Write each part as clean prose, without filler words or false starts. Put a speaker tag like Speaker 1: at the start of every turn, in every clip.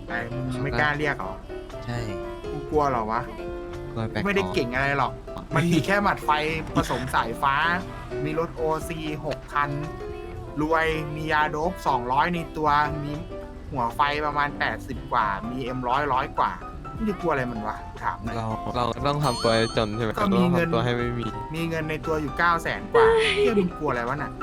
Speaker 1: ไอ้มึงไม่กล้าเรียกเหรอ
Speaker 2: ใช่
Speaker 1: กูกลัวเหรอวะ
Speaker 2: กลัวแปลก
Speaker 1: ไม่ได้เก่งอะไรหรอก มันมีแค่หมัดไฟผสมสายฟ้า มีรถโอซี6 คัน รวย มียาโดบ200 ในตัว มีหัวไฟประมาณ80 กว่า มีM100 กว่ามึงจะกลัวอะไรมันวะ ถามหน่อย
Speaker 2: เราต้องทำตัวให้จนใช่ไหม
Speaker 1: ก็มีเงิน
Speaker 2: ราต้องทำตัวให้ไม่มี
Speaker 1: มีเงินในตัวอยู่900,000 กว่าเที่ยมึงกลัวอะไรวะน่ะ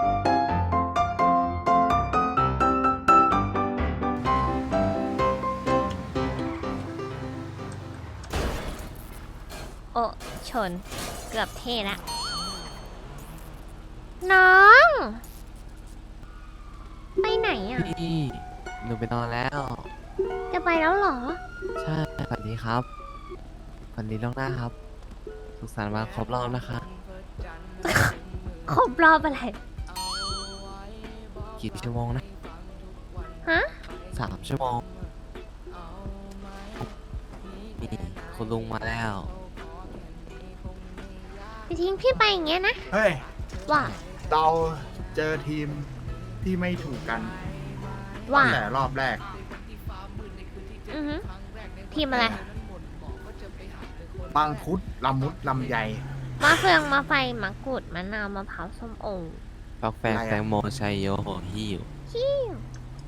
Speaker 3: โอ้ชน เกือบเท่ละ น้อง ไปไหนอ่ะ
Speaker 2: พี่หนูไปนอนแล้ว
Speaker 3: จะไปแล้วเหรอ
Speaker 2: ใช่สวัสดีครับสวัสดีล่วงหน้าครับ สุขสันต์วันครบรอบนะคะ
Speaker 3: ครบรอบอะไร
Speaker 2: กี่ชั่วโมงนะ
Speaker 3: ฮะ
Speaker 2: 3 ชั่วโมงนี่คุณลุงมาแล้ว
Speaker 3: จะทิ้งพี่ไปอย่างเงี้ยนะ
Speaker 1: เฮ้ย
Speaker 3: ว่า
Speaker 1: เราเจอทีมที่ไม่ถูกกัน
Speaker 3: ว่า
Speaker 1: ตั้งแต่รอบแรก
Speaker 3: อือฮึทีมอะไร
Speaker 1: บางพุดลำมุดลำใหญ่
Speaker 3: มะเฟืองมะไฟมะกรูดมะนาวมะพร้าวส้มโอ
Speaker 2: ฟักแฟง
Speaker 1: อะไรอะ
Speaker 2: แตงโมชัยโยโหฮิว
Speaker 3: ฮิ้ว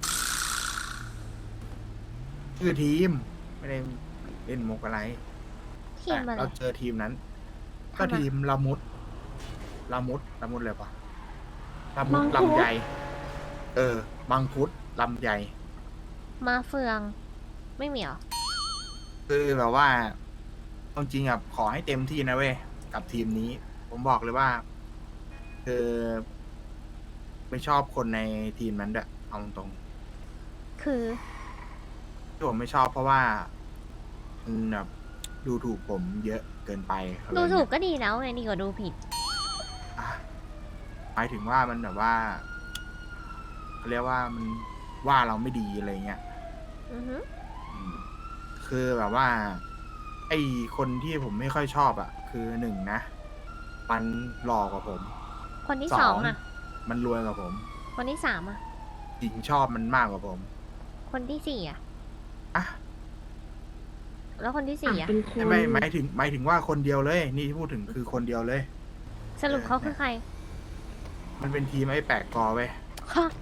Speaker 1: คือทีม ไม่ได้เล่นมุกอะไร
Speaker 3: ทีมอะไร
Speaker 1: เราเจอทีมนั้น ก็
Speaker 3: ทำไม
Speaker 1: ทีมละมุดเลยปะละมุดลำใหญ่ บางพุดลำใหญ่
Speaker 3: มะเฟือง ไม่มีเหรอ
Speaker 1: คือแบบว่าเอาจริงอ่ะขอให้เต็มที่นะเว้ย กับทีมนี้ ผมบอกเลยว่า คือไม่ชอบคนในทีมนั้นด้วยเอาตรง
Speaker 3: คือ
Speaker 1: ๆที่ผมไม่ชอบเพราะว่ามันแบบดูถูกผมเยอะเกินไปอะไร
Speaker 3: ดูถูก
Speaker 1: เงี้ย
Speaker 3: ก็ดีแล้วไงดีกว่าดูผิด
Speaker 1: อ่ะหมายถึงว่ามันแบบว่าเขาเรียกว่ามันว่าเราไม่ดีอะไรเงี้ย
Speaker 3: อือฮึ
Speaker 1: อืมคือแบบว่า ไอคนที่ผมไม่ค่อยชอบอ่ะ คือหนึ่งนะ มันหล่อกว่าผม
Speaker 3: คนที่สองอ่ะ
Speaker 1: มันรวยกว่าผม
Speaker 3: คนที่สามอ่ะ
Speaker 1: หญิงชอบมันมากกว่าผม
Speaker 3: คนที่สี่อ่ะ
Speaker 1: อ่ะ
Speaker 3: แล้วคนที่สี่อ่ะ
Speaker 1: ไม่หมายถึงว่าคนเดียวเลย นี่ที่พูดถึงคือคนเดียวเลย
Speaker 3: สรุปเขาคือใคร
Speaker 1: มันเป็นทีมไอ้แปลกกอเว้ย
Speaker 3: ฮะ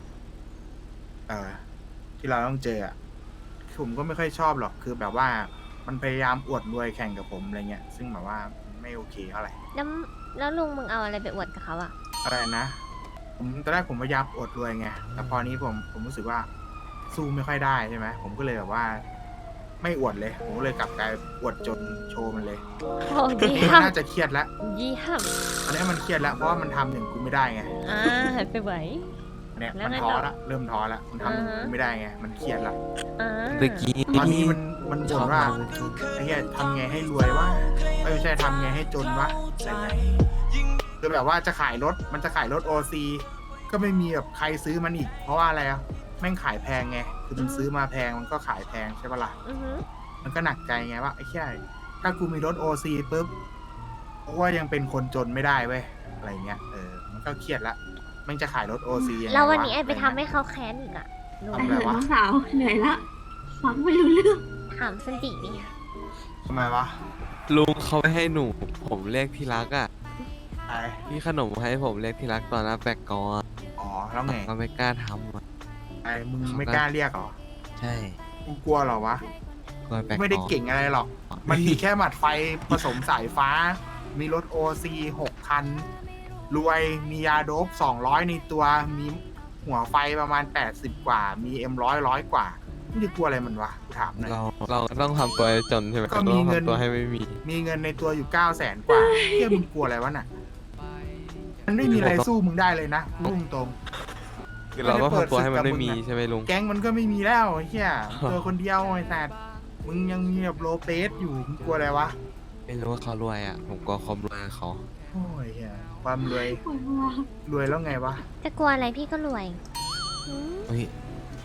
Speaker 1: ที่เราต้องเจออ่ะผมก็ไม่ค่อยชอบหรอกคือแบบว่า มันพยายามอวดรวยแข่งกับผมอะไรเงี้ย ซึ่งแบบว่าไม่โอเคเท่าไหร่
Speaker 3: แล้วลุงมึงเอาอะไรไปอวดกับเขาอ่ะ
Speaker 1: อะไรนะผมตอนแรกผมพยายามอวดรวยไงแต่พอนี้ผมรู้สึกว่า สู้ไม่ค่อยได้ใช่ไหมผมก็เลยแบบว่า ไม่อวดเลย ผมก็เลยกลับกลายอวดจนโชว์มันเลย
Speaker 3: โอ้เยี่ย
Speaker 1: มัน
Speaker 3: ม
Speaker 1: น่าจะเครียดแล้ว
Speaker 3: เยี่ยม
Speaker 1: อันนี้มันเครียดแล้วเพราะว่ามันทำอย่างกูไม่ได้ไง
Speaker 3: หันไปไหว
Speaker 1: อันเนี้ย
Speaker 3: แล้ว
Speaker 1: มัน
Speaker 3: ไง
Speaker 1: ท้อ
Speaker 3: ต่อ
Speaker 1: ละเริ่มท้อละมันทำอย่างกูไม่ได้ไงมันเครียดละ
Speaker 3: อ่า
Speaker 2: เมื่อกี้
Speaker 1: ตอนนี้มันบ่นว่า
Speaker 2: ชอบ
Speaker 1: ไอ้เหี้ยทำไงให้รวยวะไม่ใช่ทำไงให้จนวะอะไรเงี้ยคือแบบว่าจะขายรถมันจะขายรถโอซีก็ไม่มีแบบใครซื้อมันอีก เพราะว่าอะไรอ่ะแม่งขายแพงไงคือมันซื้อมาแพงมันก็ขายแพงใช่ปะล่ะ
Speaker 3: อือฮึ
Speaker 1: มันก็หนักใจไงว่าไอ้แค่ถ้ากูมีรถโอซีปุ๊บกูว่ายังเป็นคนจนไม่ได้เว้ยอะไรเงี้ยมันก็เครียดละมันจะขายรถโอซียังไง
Speaker 3: แล้ววันนี้
Speaker 1: ะ
Speaker 3: ไอไปทำให้เขาแค้นอีกอ่ะลุง
Speaker 1: ทำอะไรวะ
Speaker 4: น้องสาวเหนื่อยละฟังไม่รู้เรื่อง
Speaker 3: ถามสันติดิ
Speaker 1: ทำไมวะ
Speaker 2: ลุงเขาไม่ให้หนู ผมเรียกที่รักอ่ะ
Speaker 1: ไอ้
Speaker 2: พี่ขนมให้ผมเรียกที่รักตอนหน้าแปลกกออะ
Speaker 1: อ๋อแล้วไง
Speaker 2: ก็ไม่กล้าทำอะ
Speaker 1: ไอ้มึงไม่กล้าเรียกเหรอ
Speaker 2: ใช่
Speaker 1: กูกลัวเหรอวะ
Speaker 2: กลัวแปลกกอ
Speaker 1: ไม่ได้เก่งอะไรหรอก มันมีแค่หมัดไฟผสมสายฟ้า มีรถโอซี6 คัน รวย มียาโดบ200 ในตัว มีหัวไฟประมาณ80 กว่า มีM100 กว่ามึงจะกลัวอะไรมันวะกูถามหน่อย
Speaker 2: เราต้องทำตัวให้จนใช่ไหม
Speaker 1: ก็มี
Speaker 2: เราต้อง
Speaker 1: เงิน
Speaker 2: ทำตัวให้ไม่มี
Speaker 1: มีเงินในตัวอยู่900,000 กว่าเที่ยมึงกลัวอะไรวะน่ะ มันไม่มีอะไรสู้มึงได้เลยนะพูดตรง
Speaker 2: คือเราต้องทำตัวให้มันไม่มีใช่ไหมลุง
Speaker 1: ๆแก๊งมันก็ไม่มีแล้วไอ้เฮียตัวคนเดียวไอ้สัตว์มึงยังมีแบบโลเปสอยู่มึงกลัวอะไรวะ
Speaker 2: ไม่รู้ว่าเขารวยอ่ะ ผมกลัวความรวยของเขา
Speaker 1: โอ้ยเฮียความรวย
Speaker 4: ปวดหัว
Speaker 1: รวยแล้วไงวะ
Speaker 3: จะกลัวอะไรพี่ก็รวยอืม
Speaker 2: เฮ้ย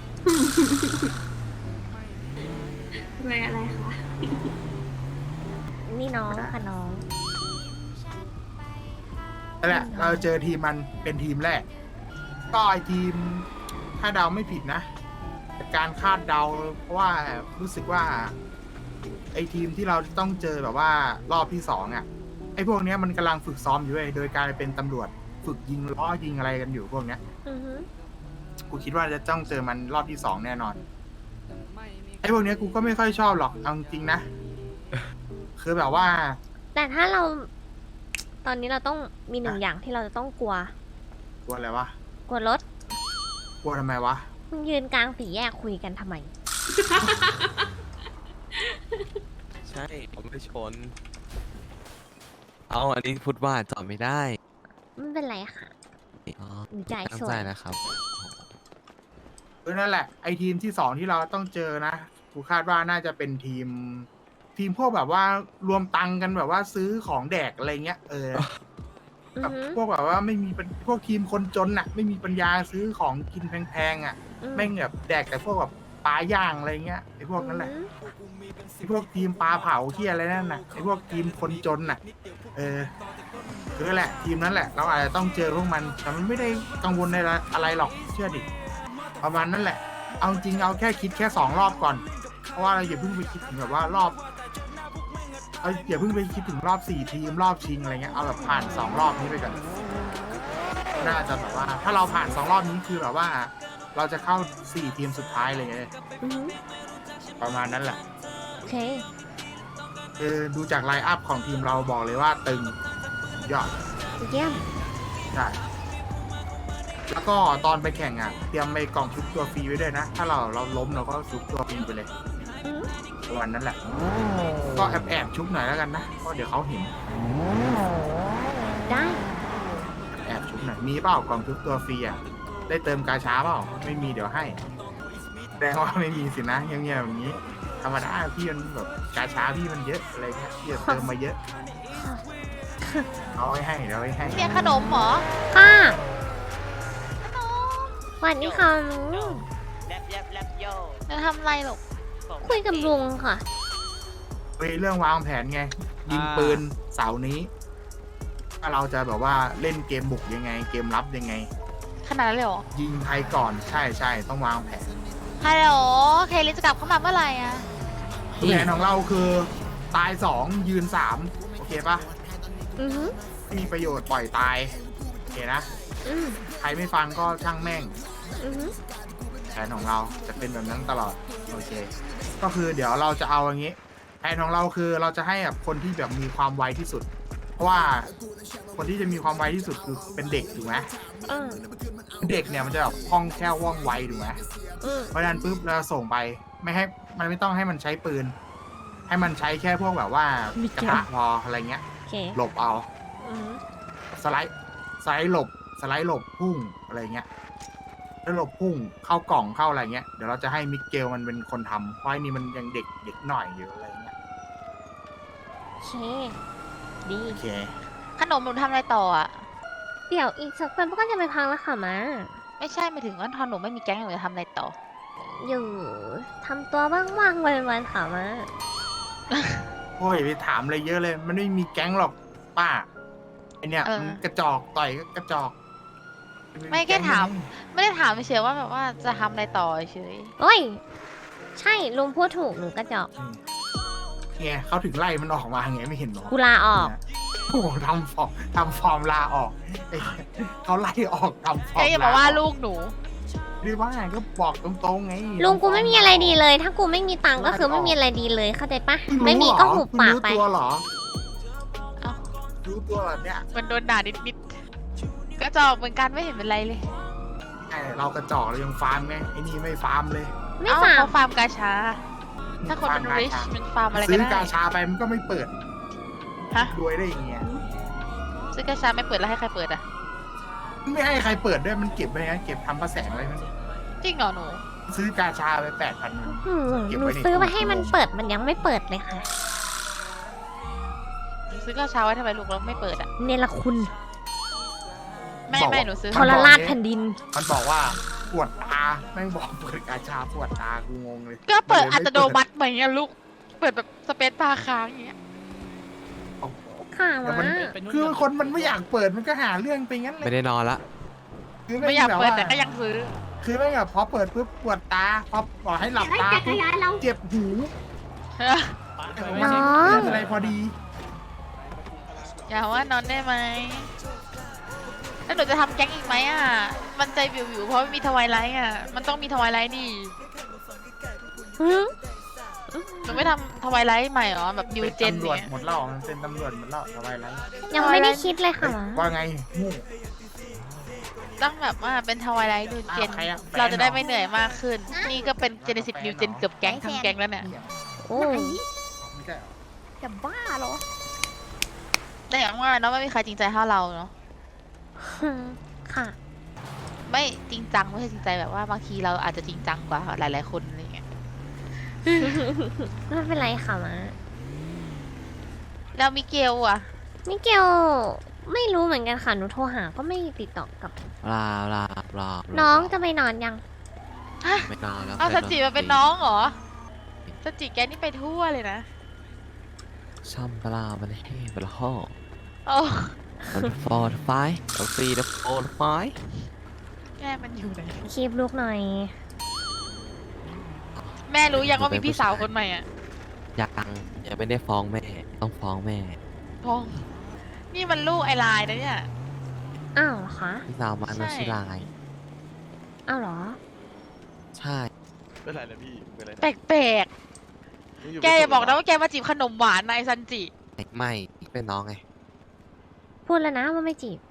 Speaker 4: รวยอะไรคะ
Speaker 3: นี่น้องค่ะน้อง
Speaker 1: นั่นแหละ เราเจอทีมมันเป็นทีมแรก ก็ไอทีม ถ้าเดาไม่ผิดนะการคาดเดา เพราะว่ารู้สึกว่า ไอทีมที่เราต้องเจอแบบว่ารอบที่2อ่ะไอพวกเนี้ยมันกำลังฝึกซ้อมอยู่เลยโดยการเป็นตำรวจฝึกยิงล้อยิงอะไรกันอยู่พวกเนี้ย
Speaker 3: อือฮึ
Speaker 1: กูคิดว่าจะต้องเจอมันรอบที่2แน่นอนไอพวกเนี้ยกูก็ไม่ค่อยชอบหรอกเอาจริงๆนะ คือแบบว่า
Speaker 3: แต่ถ้าเรา ตอนนี้เราต้องมีหนึ่งอย่างที่เราจะต้องกลัว
Speaker 1: กลัวอะไรวะ
Speaker 3: กลัวรถ
Speaker 1: กลัวทำไมวะ
Speaker 3: มึงยืนกลางสี่แยกคุยกันทำไม
Speaker 2: ใช่ผมไม่ชน เอาอันนี้พูดว่าจอดไม่ได้
Speaker 3: ไม่เป็นไรค่ะ
Speaker 2: อ๋อ
Speaker 3: หนูใจ
Speaker 2: ตั้ง
Speaker 3: สว
Speaker 2: ใจ
Speaker 3: ย
Speaker 2: นะครับ
Speaker 1: นั่นแหละไอทีมที่2ที่เราต้องเจอนะกูคาดว่าน่าจะเป็นทีมพวกแบบว่ารวมตังค์กันแบบว่าซื้อของแดกอะไรเงี้ย
Speaker 3: อือ
Speaker 1: แบบ
Speaker 3: ฮึ
Speaker 1: พวกแบบว่าไม่มีพวกทีมคนจนน่ะ ไม่มีปัญญาซื้อของกินแพงๆอ่ะ
Speaker 3: อืม
Speaker 1: แม่งแบบแดกแต่พวกแบบปลาย่างอะไรเงี้ยไอพวกนั้นแหละไอพวกทีมปลาเผาที่อะไรนั่นน่ะไอพวกทีมคนจนน่ะคือแหละ ทีมนั้นแหละ เราอาจจะต้องเจอพวกมันแต่มันไม่ได้กังวลในอะไรหรอกเชื่อดิประมาณนั้นแหละ เอาจริงเอาแค่คิดแค่2 รอบก่อน เพราะว่าเราอย่าเพิ่งไปคิดถึงแบบว่ารอบอย่าเพิ่งไปคิดถึงรอบ4 ทีมรอบชิงอะไรเงี้ยเอาแบบผ่าน2 รอบนี้ไปก่อนน่าจะแบบว่า ถ้าเราผ่าน2 รอบนี้คือแบบว่า เราจะเข้า4 ทีมสุดท้ายเลยไง
Speaker 3: อือฮึ
Speaker 1: ประมาณนั้นแหละ
Speaker 3: โอเค
Speaker 1: ดูจากไลน์อัพของทีมเราบอกเลยว่าตึงยอด
Speaker 3: เยี่ยม
Speaker 1: ใช่แล้วก็ตอนไปแข่งอ่ะเตรียมไปกล่องชุบตัวฟรีไว้ด้วยนะ ถ้าเราล้มเราก็ชุบตัวฟรีไปเลย
Speaker 3: อืม
Speaker 1: ประมาณนั้นแหละ ก็แอบชุบหน่อยแล้วกันนะเพราะเดี๋ยวเขาเห็น
Speaker 3: ได้
Speaker 1: แอบชุบหน่อยมีเปล่ากล่องชุบตัวฟรีอ่ะได้เติมกาชาเปล่าไม่มีเดี๋ยวให้แสดงว่าไม่มีสินะเงียบๆอย่างนี้ ธรรมดาพี่มันแบบกาชาพี่มันเยอะอะไรเงี้ยพี่จะเติมมาเยอะเอาไว้ให้เดี๋ยวไว้ให้
Speaker 5: เรียนขนมเหรอ
Speaker 3: ค่ะสวัสดีค่ะลุง
Speaker 6: แรปโย
Speaker 5: จะทำอะไรหรอก
Speaker 3: คุยกับลุงค่ะ
Speaker 1: คุยเรื่องวางแผนไง ยิงปืนเสาร์นี้ว่าเราจะแบบว่าเล่นเกมบุกยังไง เกมรับยังไง
Speaker 5: ขนาดนั้นเลยเหรอ
Speaker 1: ยิงใครก่อนใช่ต้องวางแผน
Speaker 5: ฮัลโหลเคลิจะกลับเข้ามาเมื่อไหร่อะ
Speaker 1: แผนของเราคือตาย2ยืน3โอเคปะ
Speaker 3: อือฮึ
Speaker 1: ไม่มีประโยชน์ปล่อยตายโอเคนะ
Speaker 3: อืม
Speaker 1: ใครไม่ฟังก็ช่างแม่ง
Speaker 3: อือฮึ
Speaker 1: แผนของเราจะเป็นแบบนั้นตลอดโอเค ก็คือเดี๋ยวเราจะเอาอย่างนี้ แผนของเราคือเราจะให้แบบคนที่แบบมีความไวที่สุด เพราะว่าคนที่จะมีความไวที่สุดคือเป็นเด็กถูกไหม
Speaker 3: อืม
Speaker 1: เด็กเนี่ยมันจะแบบคล่องแคล่วว่องไวถูกไหม
Speaker 3: อืม
Speaker 1: เพราะฉะนั้นปุ๊บเราส่งไปไม่ให้มันไม่ต้องให้มันใช้ปืน ให้มันใช้แค่พวกแบบว่ากระทะพออะไรเงี้ย
Speaker 3: โอเค
Speaker 1: หลบเอา
Speaker 3: อือฮึ
Speaker 1: สไลด์หลบสไลด์หลบพุ่งอะไรเงี้ยแล้วหลบพุ่งเข้ากล่องเข้าอะไรเงี้ยเดี๋ยวเราจะให้มิเกลมันเป็นคนทำเพราะไอ้นี่มันยังเด็กหน่อยอยู่อะไรเงี้ย
Speaker 3: โอเค ดี
Speaker 1: โอเค
Speaker 5: ขนมหนูทำอะไรต่ออะ
Speaker 3: เดี๋ยวอีกสักวันก็จะไปพังแล้วค่ะมา
Speaker 5: ไม่ใช่หมายถึงว่าทอนหนูไม่มีแก๊งหนูจะทำอะไรต่อ
Speaker 3: อยู่ทำตัวว่างๆวันๆค่ะมา
Speaker 1: โอ้ยไปถามอะไรเยอะเลย มันไม่มีแก๊งหรอกป้าไอเนี่ย
Speaker 5: เออ
Speaker 1: มันกระจอกต่อยก็กระจอก
Speaker 5: ไม่แค่ถาม ไม่ได้ถามเฉยๆว่าแบบว่าจะทำอะไรต่อเฉย
Speaker 3: โอ้ย ใช่ลุงพูดถูกหนูกระจอก
Speaker 1: เนี่ยเขาถึงไล่มันออกมาไงไม่เห็นหรอ
Speaker 3: กูลาออก
Speaker 1: โอ้โหทำฟอร์มลาออกไอ้เขาไล่ออกทำฟอร์ม
Speaker 5: แกอย่ามาว่าลูกหนู
Speaker 1: หรือว่าไงก็บอกตรงๆไง
Speaker 3: ลุงกูไม่มีอะไรดีเลย ถ้ากูไม่มีตังค์ก็คือไม่มีอะไรดีเลยเข้าใจปะไม่มีก็หุบปากไป
Speaker 1: รู้ตัวเหรอ
Speaker 5: เอ้า
Speaker 1: รู้ตัวเหรอเนี่ย
Speaker 5: มันโดนด่านิดๆก็จอกเหมือนกันไม่เห็นเป็นไรเลย
Speaker 1: ไอ้เรากระจอกเรายังฟาร์มไงไอ้นี่ไม่ฟาร์มเลย
Speaker 3: ไม่
Speaker 5: เอ้า
Speaker 3: ฝาก
Speaker 5: เขาฟาร์มกาชา ถ้าคนมัน
Speaker 1: ฟาร์ม
Speaker 5: ริช
Speaker 1: กาชา
Speaker 5: มันฟาร์มอะไรก็
Speaker 1: ซื้อ
Speaker 5: ได้
Speaker 1: กาชาไปมันก็ไม่เปิด
Speaker 5: ฮะ
Speaker 1: รวยได้ยังไง
Speaker 5: ซื้อกาชาไม่เปิดแล้วให้ใครเปิดอะ
Speaker 1: ไม่ให้ใครเปิดด้วยมันเก็บไว้ไงเก็บทำประแสงอะไรมัน
Speaker 5: จริงเหรอหนู
Speaker 1: ซื้อกาชาไป8,000มัน เก็บ
Speaker 3: หนู
Speaker 1: ไว้ใน
Speaker 3: ซื้อ
Speaker 1: ตู้
Speaker 3: มาให้มันเปิดมันยังไม่เปิดเลยค่ะ
Speaker 5: หนูซื้อกาชาไว้ทำไมลูกแล้วไม่เปิดอะ
Speaker 3: เนรคุณ
Speaker 5: ไม่หนูซื้อ
Speaker 3: ทรราชแผ่นดิน
Speaker 1: มันบอกว่าปวดตาแม่งบอกเปิดกาชาปวดตากูงงเลย
Speaker 5: ก็เปิด
Speaker 1: มันลย
Speaker 5: อั
Speaker 1: ไม่
Speaker 5: ตโนมัติเหมือนเงี้ยลูก เปิดแบบสเปซบาร์ค้างอย่างเงี้ย
Speaker 1: โอ้โห
Speaker 3: ค่ะ
Speaker 1: แต่
Speaker 3: มา
Speaker 1: มันคือคนมันไม่อยากเปิดมันก็หาเรื่องไปงั้นเล
Speaker 2: ไม่
Speaker 1: ย
Speaker 2: ได้นอนละ
Speaker 1: คือ
Speaker 5: ไม่อยาก
Speaker 1: แบบ
Speaker 5: เปิด
Speaker 1: ว่า
Speaker 5: แต่ก็ยังซื้อ
Speaker 1: คือไม่แบบพอเปิดปุ๊บปวดตาพอบอกให้หลับ
Speaker 4: ไอ้
Speaker 1: ตา
Speaker 4: จักรยานเรา
Speaker 1: เจ็บหู
Speaker 3: น้อง
Speaker 1: อะไรพอดี
Speaker 5: อย่าว่านอนได้ไหมแล้วหนูจะทำแก๊งอีกไหมอ่ะ มันใจวิวๆเพราะไม่มีทวายไลท์อ่ะ มันต้องมีทวายไลท์ดิ
Speaker 3: หืม
Speaker 5: หนูไม่ทำทวายไลท์ใหม่เหรอ แบบนิวเจน
Speaker 1: ตำรวจ
Speaker 5: เนี่ย
Speaker 1: หมดแล้วมันเป็นตำรวจหมดแล้วทำไมไร
Speaker 3: ยังไม่ได้คิดเลยค่ะ
Speaker 1: ว่าไงงู
Speaker 5: ต้องแบบว่าเป็นทวายไลท์นิวเจน
Speaker 1: อ้าวใครอะแฟนเหรอ
Speaker 5: เราจะได้ไม่เหนื่อยมากขึ้น นี่ก็เป็นเจเนซิสนิวเจนเกือบแก๊งทั้งแก๊งแล้วเนี่ย
Speaker 3: โอ้ย
Speaker 1: ไม่ใช่เหรอ
Speaker 3: จะบ้าเหรอ
Speaker 5: แต่อย่างว่าเนาะไม่มีใครจริงใจเท่าเราเนาะ
Speaker 3: ค่ะ
Speaker 5: ไม่จริงจังไม่ใช่จริงใจแบบว่าบางทีเราอาจจะจริงจังกว่าหลายๆคนอะไรเงี้ย
Speaker 3: ไม่เป็นไรค่ะมา
Speaker 5: แล้วมิเกลอ่ะ
Speaker 3: มิเกลไม่รู้เหมือนกันค่ะ หนูโทรหาก็ไม่ติดต่อกับ
Speaker 2: ลาลาลา
Speaker 3: น้องจะไปนอนยัง
Speaker 2: ไม่นอนแล้ว
Speaker 5: เอาสจิมาเป็นน้องเหรอสจิแกนี่ไปทั่วเลยนะ
Speaker 2: ช่ำปลาบันเฮ่ปลาห่อ
Speaker 5: โอ้
Speaker 2: มันฟอร์ดไฟเอาฟรีแล้วฟอร์ดไฟ
Speaker 5: แม่มันอยู่ไหน
Speaker 3: คีบลูกหน่อย
Speaker 5: แม่รู้ยังว่ามีพี่สาวคนใหม่อ่ะ
Speaker 2: ยังไม่ได้ฟ้องแม่ ต้องฟ้องแม่
Speaker 5: พองนี่มันลูกไอไลน์นะเนี่ย
Speaker 3: อ้าวเหรอคะ
Speaker 2: พี่สาวมัน
Speaker 5: ใช่
Speaker 2: มาชื่อลาย
Speaker 3: อ้าวเหรอ
Speaker 2: ใช่
Speaker 6: เป็นไรนะพี่เป็นไรนะ
Speaker 5: แปลก
Speaker 6: มึงยู่
Speaker 5: ๆแกอย่าบอกนะว่าแกมาจีบขนมหวานนายซันจิ
Speaker 2: ไม่เป็นน้องไง
Speaker 3: พูดแล้วนะว่าไม่จีบ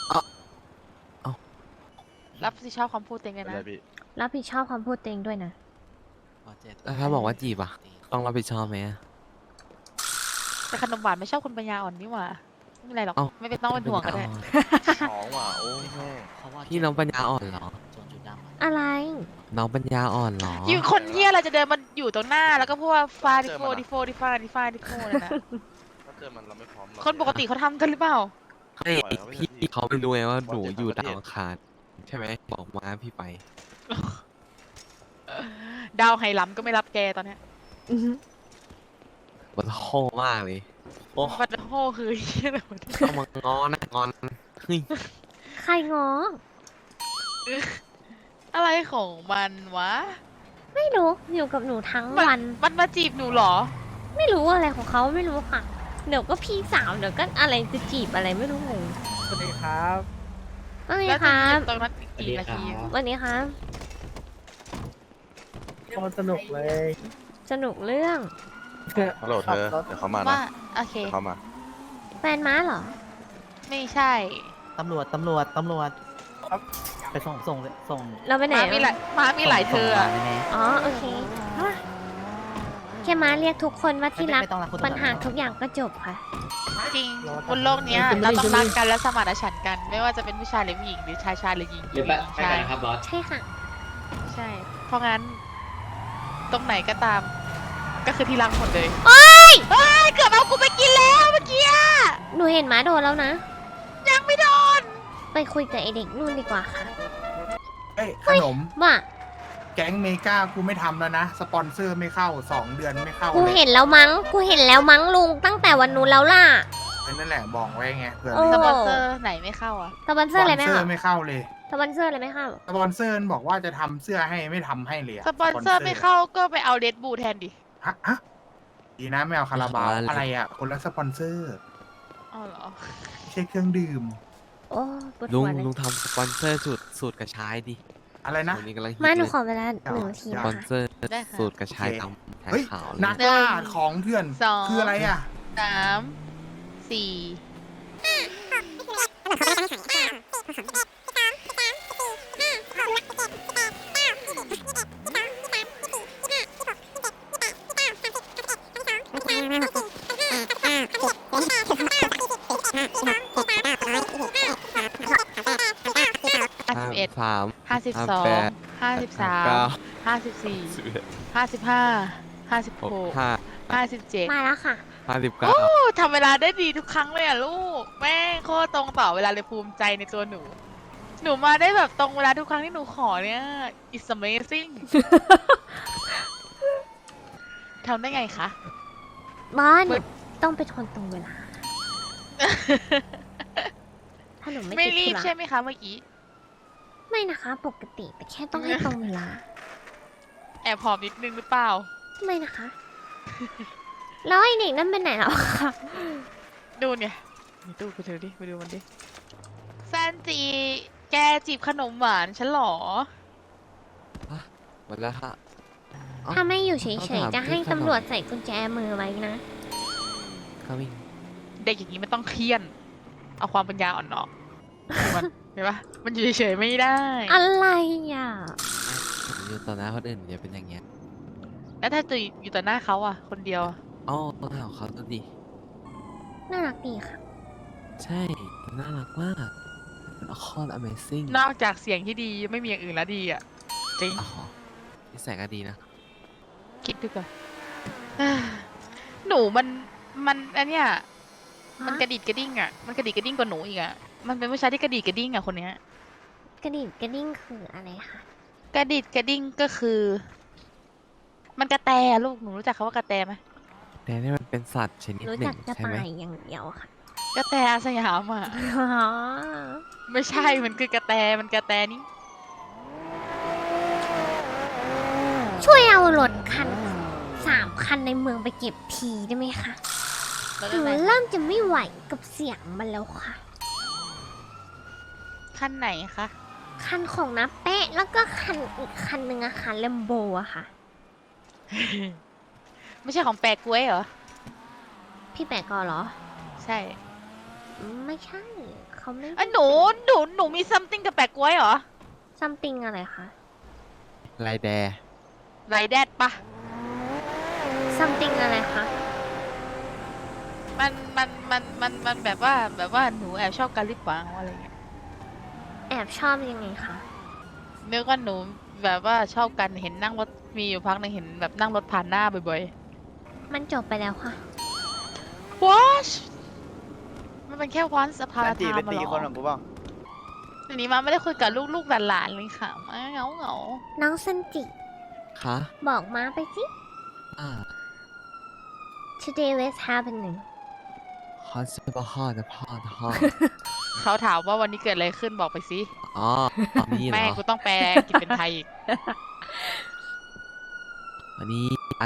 Speaker 5: รับผิดชอบคำพูดเต็งเลย
Speaker 6: เป็น
Speaker 5: นะ
Speaker 6: ไรพี่
Speaker 3: รับผิดชอบความพูดตัวเองด้วยนะ
Speaker 2: แล้วถ้าบอกว่าจีบอ่ะ ต้องรับผิดชอบไหมอะ
Speaker 5: แต่ขนมหวานไม่ชอบคนปัญญาอ่อนนี่หว่าไม่เป็นไรหรอก
Speaker 2: เอ้า
Speaker 5: ไม่เป็นต้องเป็นห่วงก็ได้
Speaker 6: ท้องว่ะโอ้แม่
Speaker 2: พี่น้องปัญญาอ่อนเหรอ
Speaker 3: อะไร
Speaker 2: น้องปัญญาอ่อนเหรอ
Speaker 5: อยู่คนเฮียอะไรจะเดินมาอยู่ตรงหน้าแล้วก็พูดว่าฟาดิโฟดิโฟดิฟาดิฟาดิโฟเลยนะ
Speaker 6: ถ้าเจอมันเราไม่พร้อมหรอก
Speaker 5: คนปกติเขาทำกันหรือเปล่า
Speaker 2: ไม่พี่เขาไม่รู้ไงว่าหนูอยู่ดาวอังคารใช่ไหมบอกมาพี่ไป
Speaker 5: ดาวไฮลัมก็ไม่รับแกตอนเนี้ย
Speaker 2: มันโหมากเลยโอ้
Speaker 5: บัตโฮคือเฮียอะไรวะเนี่ย
Speaker 2: ต้องมางอนนะงอนเฮ้ย
Speaker 3: ใครงอ
Speaker 5: อะไรของมันวะ
Speaker 3: ไม่รู้ อยู่กับหนูทั้งวัน
Speaker 5: มันมาจีบหนูเหรอ
Speaker 3: ไม่รู้อะไรของเขาไม่รู้ค่ะ เดี๋ยวก็พี่สาว เดี๋ยวก็อะไรจะจีบอะไรไม่รู้งง
Speaker 7: สวัสดีครับ
Speaker 3: ว่าไง
Speaker 5: แล้ว
Speaker 3: ค
Speaker 5: จะ
Speaker 3: รั
Speaker 5: จี
Speaker 3: บบ
Speaker 5: ตรงนั้นอีกกี่นาที
Speaker 3: วันนี้ครับ
Speaker 7: โคตรสนุกเลย
Speaker 3: สนุกเรื่อง
Speaker 6: ฮัลโหลเธอ
Speaker 7: ขับรถ
Speaker 6: เดี๋ยวเขามานะ
Speaker 5: ว่าโอเค
Speaker 6: เดี๋ยวเขามา
Speaker 3: แฟนม้าเหรอ
Speaker 5: ไม่ใช่
Speaker 7: ตำรวจไปส่ง
Speaker 3: เราไปไหน
Speaker 5: ม้ามีหลายเธออะ
Speaker 7: ส่งมาแน่
Speaker 3: อ๋อโอเค แค่ม้าเรียกทุกคนว่า
Speaker 7: ๆ
Speaker 3: ที่รัก
Speaker 7: ไม่ต้องรักคุณ
Speaker 3: ปัญหา
Speaker 7: ตำรวจ
Speaker 3: ทุกอย่างก็จบค่ะ
Speaker 5: จริงบนโลกเนี้ยเราต้องรักกันและสมานฉันท์กัน ไม่ว่าจะเป็นผู้ชายหรือผู้หญิงหรือชายหรือหญิง
Speaker 8: หรือ
Speaker 5: ห
Speaker 8: ไป
Speaker 5: ญิง
Speaker 8: ไป
Speaker 5: ชา
Speaker 8: กั
Speaker 5: ย
Speaker 8: นครับบอส
Speaker 3: ใช่ค่ะ
Speaker 5: ใช่ เพราะงั้น ตรงไหนก็ตาม ก็คือที่รักหมดเลย
Speaker 3: โอ๊ย
Speaker 5: เฮ้ยเกือบเอากูไปกินแล้วเมื่อกี้อะ
Speaker 3: หนูเห็นม้าโดนแล้วนะ
Speaker 5: ยังไม่โดน
Speaker 3: ไปคุยกับไอเด็กนู่นดีกว่าค่ะ
Speaker 1: เอ้ยขนม
Speaker 3: ว่า
Speaker 1: แก๊งเมกากูไม่ทำแล้วนะ สปอนเซอร์ไม่เข้า 2 เดือนไม่เข้า
Speaker 3: กู
Speaker 1: เลย
Speaker 3: เห็นแล้วมั้ง กูเห็นแล้วมั้งลุงตั้งแต่วันนู้นแล้วล่ะ
Speaker 1: นั่นแหละบอกไว้ไงเผื่อ
Speaker 3: โอ้
Speaker 5: สปอนเซอร์ไหนไม่เข้าอ่ะ
Speaker 3: สปอนเซอร์อะไรไหม
Speaker 1: สปอนเซอ
Speaker 3: คะ
Speaker 1: ร์ไม่เข้าเลย
Speaker 3: สปอนเซอร์อะไรไหมคะ
Speaker 1: สปอนเซอร์บอกว่าจะทำเสื้อให้ไม่ทำให้เลยะ
Speaker 5: สปอนเซอร์ไม่เข้าก็ไปเอาเดดบูแทนดิ
Speaker 1: ฮะดีนะไม่เอาคาราบาวอะไรอ่ะ คนละสปอนเซอร์
Speaker 5: อ๋อเหรอ
Speaker 1: ไม่ใช่เครื่องดื่ม
Speaker 3: โอ้ปวด
Speaker 2: ลุ
Speaker 3: หั
Speaker 2: ง
Speaker 3: วเลย
Speaker 2: ลุงทำสปอนเซอร์สูตรกระชายดิ
Speaker 1: อะไรนะ
Speaker 2: วันนี้กำลังฮิต
Speaker 3: มาหนู
Speaker 2: เลย
Speaker 3: ขอเวลา1 นาที
Speaker 2: ส
Speaker 3: นะ
Speaker 2: ปอน
Speaker 3: คะ
Speaker 2: เซอร์
Speaker 5: ได้ค่ะ
Speaker 2: สูตรกระชาย
Speaker 1: โอเค
Speaker 2: ดำแทน
Speaker 1: เฮ้ย
Speaker 2: ขาวเลย
Speaker 1: นักล่าของเถื่อน
Speaker 5: สอง
Speaker 1: คืออะไรอ่ะ
Speaker 5: 3 4 51
Speaker 2: 53
Speaker 5: 52 53 54 55 56 57
Speaker 3: มาแล้วค่ะ
Speaker 5: โอ้
Speaker 2: 59
Speaker 5: ทำเวลาได้ดีทุกครั้งเลยอ่ะลูก แม่งโคตรตรงต่อเวลาเลยภูมิใจในตัวหนู หนูมาได้แบบตรงเวลาทุกครั้งที่หนูขอเนี่ย it's amazing ทำได้ไงคะ
Speaker 3: บอสหนูต้องเป็นคนตรงเวลา ถ้าหนูไม่
Speaker 5: ไม่
Speaker 3: ติด
Speaker 5: รี
Speaker 3: ธุ
Speaker 5: บ
Speaker 3: ระ
Speaker 5: ใช่ไหมคะเมื่อกี้
Speaker 3: ไม่นะคะ ปกติแต่แค่ต้องให้ตรงเวลา
Speaker 5: แอบหอมนิดนึงหรือเปล่า
Speaker 3: ไม่นะคะ แล้วไอเด็กนั่นเป็นไหนแล้วคะ
Speaker 5: ดูเนี่ยมีตู้กูถือดิไปดูมันดิแซนจี แกจีบขนมหวานฉันเหรอ
Speaker 2: หมดแล้วฮะเอ้า
Speaker 3: ถ้าไม่อยู่เฉ
Speaker 2: ต้อย งถาม
Speaker 3: ๆจะให้
Speaker 2: พี่ขนม
Speaker 3: ตำรวจใส่กุญแจมือไว้นะ
Speaker 2: เขาวิ่ง
Speaker 5: เด็กอย่างนี้ไม่ต้องเครียดเอาความปัญญาอ่อนออกมันเห็นปะมันอยู่เฉยๆไม่ได้
Speaker 3: อะไรอ่ะ
Speaker 2: ผมอยู่ต่อหน้าคนอื่นอย่าเป็นอย่างเงี้ย
Speaker 5: แล้วถ้าจะอยู่ต่อหน้าเขาอ่ะ คนเดียวอะ
Speaker 2: อ๋อต้องถามเขาตัวดิ
Speaker 3: น่ารักดีค่ะ
Speaker 2: ใช่น่ารักมากเป็นคอน Amazing
Speaker 5: นอกจากเสียงที่ดีไม่มีอย่างอื่นแล้วดีอ่ะ จริง
Speaker 2: อ๋อนิสัยก็ดีนะ
Speaker 5: คิดดูก่อน หนูมันอันเนี้ยมันกระดิดกระดิ้งอ่ะ มันกระดิดกระดิ้งกว่าหนูอีกอ่ะ มันเป็นผู้ชายที่กระดิดกระดิ้งอ่ะคนเนี้ย
Speaker 3: กระดิ่งกระดิ่งคืออะไรคะ
Speaker 5: กระดิดกระดิ้งก็คือ มันกระแตอะลูกหนูรู้จักคำว่ากระแตไหม
Speaker 2: แต่นี่มันเป็นสัตว์ชนิด
Speaker 3: รู้
Speaker 2: หนึ่
Speaker 3: จัก
Speaker 2: ง
Speaker 3: กระ
Speaker 2: ใช่ไหม
Speaker 3: ต่ายอย่างเดียวค่ะ
Speaker 5: กระแตอาสยามอ่ะ
Speaker 3: อ๋อ
Speaker 5: ไม่ใช่ มันคือกระแต มันกระแตนี่
Speaker 3: ช่วยเอารถคัน3 คันในเมืองไปเก็บทีได้ไหมคะ
Speaker 5: แล้ว
Speaker 3: หนู
Speaker 5: อะไร
Speaker 3: เริ่มจะไม่ไหวกับเสียงมันแล้วค่ะ
Speaker 5: ขั้นไหนคะ
Speaker 3: คันของน้าแปะแล้วก็คันอีกคันหนึ่งอะค่ะแลมโบอะค่ะ
Speaker 5: ไม่ใช่ของแปลกกล้วยเหรอ
Speaker 3: พี่แปะกอเหรอ
Speaker 5: ใช่
Speaker 3: ไม่ใช่ เขาไม่
Speaker 5: หนูมี something กับแปลกกล้วยเหรอ
Speaker 3: ซัมติงอะไรคะ
Speaker 2: ไรแด
Speaker 5: ไรแดดปะ
Speaker 3: ซัมติงอะไรคะ
Speaker 5: มันแบบว่าหนูแอบชอบการลิปปังอะไรเงี้ย
Speaker 3: แอบชอบยังไงคะ
Speaker 5: นึกว่าหนูแบบว่าชอบกันเห็นนั่งรถมีอยู่พักหนึงเห็นแบบนั่งรถผ่านหน้าบ่อย
Speaker 3: มันจบไปแล้วค่ะ
Speaker 5: ๆ What มันเป็นแค่ once upon a
Speaker 7: จี
Speaker 5: time
Speaker 7: เป็น
Speaker 5: มา
Speaker 7: ตี
Speaker 5: หร
Speaker 7: คนข
Speaker 5: อ
Speaker 7: องกูบ้าง
Speaker 5: ทีนี้มาไม่ได้คุยกับลูกๆหลานๆเลยค่ะมาเหงา
Speaker 3: น้องซันจิ
Speaker 2: คะ
Speaker 3: บอกมาไปสิ
Speaker 2: อ่า
Speaker 3: Today what's happening
Speaker 2: ฮอตซูเปอร์ฮอตนะพ่อนะพ่อ
Speaker 5: ๆเขาถามว่าวันนี้เกิดอะไรขึ้นบอกไปสิ
Speaker 2: อ๋อนี่เหร
Speaker 5: แม่
Speaker 2: อ
Speaker 5: กูต้องแปลกินเป็นไทยอีก
Speaker 2: วันนี้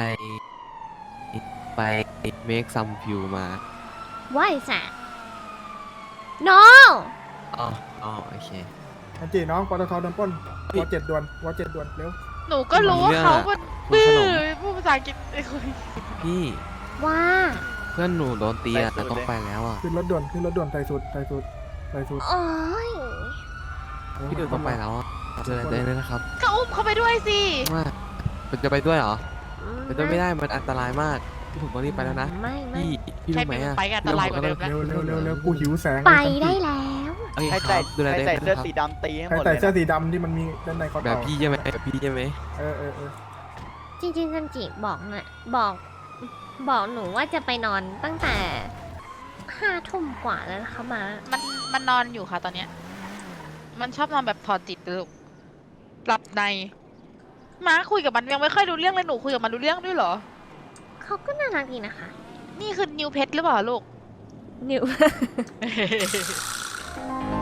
Speaker 2: ไป make some view มา
Speaker 3: What is that No
Speaker 2: อ๋ออ๋อโอเค
Speaker 8: อันจีน้องปตทโดนปล้นวอ7ด่วนวอ7ด่วนเร็ว
Speaker 5: หนูก็รู้ว่าเขาเป็น
Speaker 2: คุณ
Speaker 5: บื้
Speaker 2: ข
Speaker 5: อน
Speaker 2: ม
Speaker 5: พูดภาษาอังกฤษไอ้คน
Speaker 2: พี่
Speaker 3: ว่า
Speaker 2: เพื่อนหนูโดนตีอ่ะแต่ต้องไปแล้วอ่ะ
Speaker 8: ขึ้นรถด่วนขึ้นรถด่วนใส่สูตรใส่สูตรใส่สูตร
Speaker 3: โอ้ย
Speaker 2: พี่ดูต้องไปแล้วอ่ะเจอกันเลยนะครับ
Speaker 5: ก็อุ้มเขาไปด้วยสิ
Speaker 2: ว่ามันจะไปด้วยเหรอไปด้วยไม่ได้มันอันตรายมากพี่ผมต้องรีบไปแล้วนะ
Speaker 3: ไม่
Speaker 2: พี่
Speaker 5: ใคร
Speaker 2: รู้ไหม
Speaker 5: เป็น
Speaker 2: อ่ะ
Speaker 5: ไปกันอันตรายกว่าเดิมแล้ว
Speaker 8: เร็วเร็วเร็วเร็วกูหิวแสง
Speaker 3: ไปได้แล้ว
Speaker 2: โอเค
Speaker 7: ใคร
Speaker 2: ค
Speaker 7: ใส่
Speaker 2: รับดูแล
Speaker 7: ใคร
Speaker 2: ได้
Speaker 7: ใส่
Speaker 2: นะ
Speaker 7: เสื้อ
Speaker 2: ครับ
Speaker 7: สีดำตีให้ห
Speaker 8: ใคร
Speaker 7: มด
Speaker 8: ใส่
Speaker 7: เลย
Speaker 8: เสื้อ
Speaker 7: นะ
Speaker 8: สีดำที่มันมีด้านในคอ
Speaker 2: แบ
Speaker 8: ต่
Speaker 2: บ
Speaker 8: อ
Speaker 2: พี่ใช่ไหมแบบพี่ใช่ไหม
Speaker 8: เออเออเออ
Speaker 3: จริงๆซันจิบอกนะบอกหนูว่าจะไปนอนตั้งแต่5 ทุ่มกว่าแล้วนะคะมา
Speaker 5: มันนอนอยู่ค่ะตอนเนี้ย มันชอบนอนแบบถอดจิตลูกหลับในม้าคุยกับมันยังไม่ค่อยรู้เรื่องเลยหนูคุยกับมันรู้เรื่องด้วยเหรอ
Speaker 3: เขาก็น่ารักดีนะคะ
Speaker 5: นี่คือนิวเพชรหรือเปล่าลูก
Speaker 3: นิว